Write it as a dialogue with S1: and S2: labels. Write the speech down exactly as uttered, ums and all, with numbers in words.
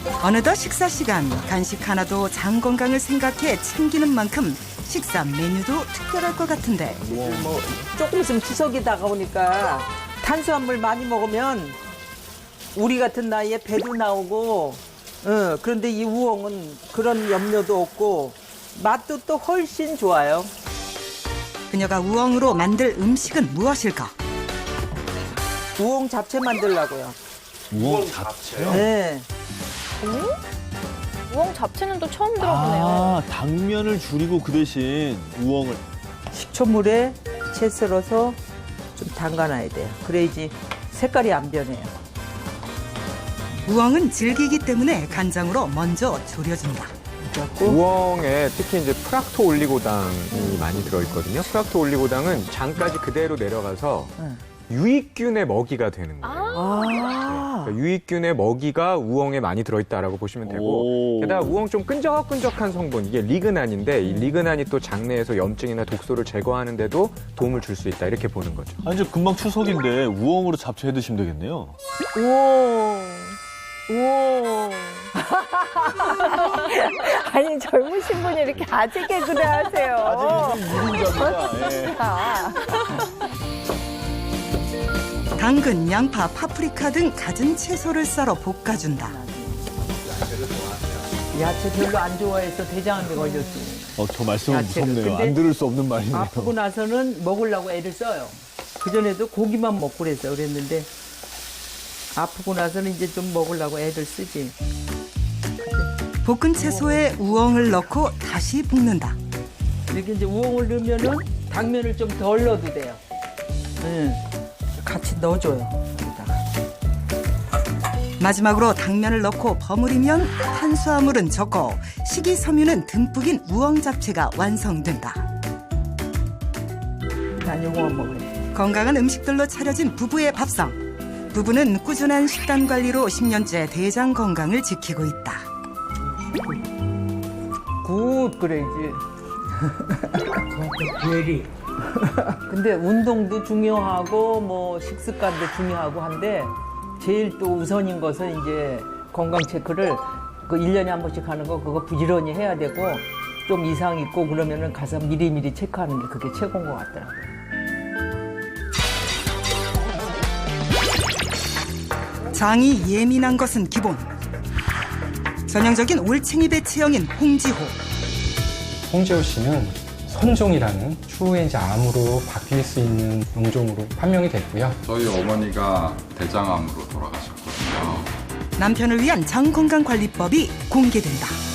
S1: 어느덧 식사 시간. 간식 하나도 장 건강을 생각해 챙기는 만큼 식사 메뉴도 특별할 것 같은데.
S2: 뭐 조금 있으면 추석이 다가오니까 탄수화물 많이 먹으면 우리 같은 나이에 배도 나오고, 어, 그런데 이 우엉은 그런 염려도 없고 맛도 또 훨씬 좋아요.
S1: 그녀가 우엉으로 만들 음식은 무엇일까?
S2: 우엉 잡채 만들려고요.
S3: 우엉 잡채요?
S2: 네.
S4: 우엉 잡채는 또 처음 들어보네요.
S3: 아, 당면을 줄이고 그 대신 우엉을.
S2: 식초물에 채 썰어서 좀 담가놔야 돼요. 그래야지 색깔이 안 변해요.
S1: 우엉은 질기기 때문에 간장으로 먼저 졸여준다.
S5: 우엉에 특히 이제 프락토 올리고당이 많이 들어있거든요. 프락토 올리고당은 장까지 그대로 내려가서 유익균의 먹이가 되는 거예요.
S2: 아,
S5: 그러니까 유익균의 먹이가 우엉에 많이 들어있다라고 보시면 되고,
S3: 오.
S5: 게다가 우엉 좀 끈적끈적한 성분, 이게 리그난인데 이 리그난이 또 장내에서 염증이나 독소를 제거하는데도 도움을 줄 수 있다, 이렇게 보는 거죠.
S3: 아니, 이제 금방 추석인데 우엉으로 잡채 해 드시면 되겠네요.
S4: 우엉. 우엉. 아니, 젊으신 분이 이렇게 아재 개그를 하세요.
S3: 아직 무근잡이다. 예.
S4: 아.
S1: 당근, 양파, 파프리카 등 갖은 채소를 썰어 볶아준다.
S2: 야채 별로 안 좋아해서 대장암에 걸렸어요.
S3: 어, 저 말씀은
S2: 야채를.
S3: 무섭네요.
S2: 근데
S3: 안 들을 수 없는 말이네요.
S2: 아프고 나서는 먹으려고 애를 써요. 그전에도 고기만 먹고 그랬어요. 그랬는데 아프고 나서는 이제 좀 먹으려고 애를 쓰지.
S1: 볶은 채소에 우엉을 넣고 다시 볶는다.
S2: 이렇게 이제 우엉을 넣으면은 당면을 좀 덜 넣어도 돼요. 응. 같이 넣어줘요. 여기다가.
S1: 마지막으로 당면을 넣고 버무리면 탄수화물은 적고 식이섬유는 듬뿍인 우엉 잡채가 완성된다.
S2: 난 요거만 먹어요.
S1: 건강한 음식들로 차려진 부부의 밥상. 부부는 꾸준한 식단 관리로 십 년째 대장 건강을 지키고 있다.
S2: 굿 그래야지. 예리. 근데 운동도 중요하고 뭐 식습관도 중요하고 한데 제일 또 우선인 것은 이제 건강 체크를 그 일 년에 한 번씩 하는 거 그거 부지런히 해야 되고 좀 이상 있고 그러면은 가서 미리미리 체크하는 게 그게 최고인 것 같더라고요.
S1: 장이 예민한 것은 기본. 전형적인 올챙이 배체형인 홍지호.
S6: 홍지호 씨는 선종이라는 추후에 이제 암으로 바뀔 수 있는 용종으로 판명이 됐고요.
S7: 저희 어머니가 대장암으로 돌아가셨거든요.
S1: 남편을 위한 장 건강 관리법이 공개된다.